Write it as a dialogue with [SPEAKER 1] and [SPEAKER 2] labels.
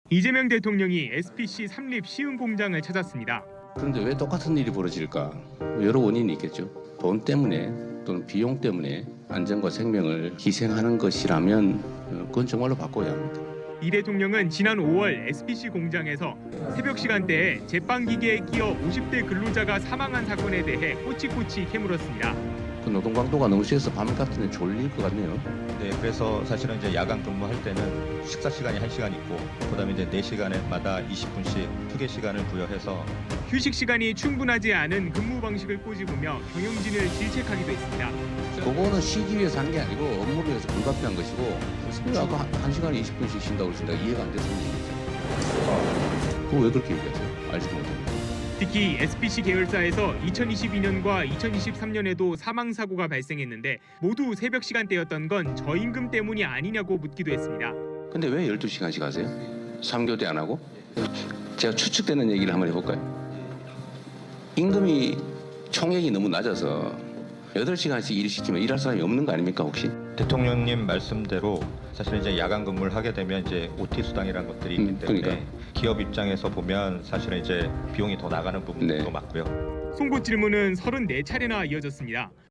[SPEAKER 1] 이재명 대통령이 SPC 삼립 시흥 공장을 찾았습니다.
[SPEAKER 2] 그런데 왜 똑같은 일이 벌어질까? 여러 원인이 있겠죠. 돈 때문에 또는 비용 때문에 안전과 생명을 희생하는 것이라면 그건 정말로 바꿔야 합니다.
[SPEAKER 1] 이 대통령은 지난 5월 SPC 공장에서 새벽 시간대에 제빵기계에 끼어 50대 근로자가 사망한 사건에 대해 꼬치꼬치 캐물었습니다.
[SPEAKER 2] 그 노동 강도가 너무 세서 밤 같은 데 졸릴 것 같네요.
[SPEAKER 3] 네, 그래서 사실은 이제 야간 근무할 때는 식사 시간이 1시간 있고 그다음에 이제 4시간마다 20분씩 휴게 시간을 부여해서
[SPEAKER 1] 휴식 시간이 충분하지 않은 근무 방식을 꼬집으며 경영진을 질책하기도 했습니다.
[SPEAKER 2] 그거는 쉬기 위해서 하는 게 아니고 업무를 위해서 불가피한 것이고 왜 아까 1시간에 20분씩 쉰다고 그러신다 이해가 안 돼서 얘기죠. 그거 왜 그렇게 얘기하세요? 알지도 못합니다.
[SPEAKER 1] 특히 SPC 계열사에서 2022년과 2023년에도 사망 사고가 발생했는데 모두 새벽 시간대였던 건 저임금 때문이 아니냐고 묻기도 했습니다.
[SPEAKER 2] 근데 왜 12시간씩 하세요? 3교대 안 하고? 제가 추측되는 얘기를 한번 해볼까요? 임금이 총액이 너무 낮아서 8시간씩 일 시키면 일할 사람이 없는 거 아닙니까 혹시?
[SPEAKER 3] 대통령님 말씀대로 사실 이제 야간 근무를 하게 되면 이제 OT 수당이라는 것들이 있기 때문에
[SPEAKER 2] 그러니까.
[SPEAKER 3] 기업 입장에서 보면 사실은 이제 비용이 더 나가는 부분도
[SPEAKER 2] 네.
[SPEAKER 3] 맞고요.
[SPEAKER 1] 송곳 질문은 34차례나 이어졌습니다.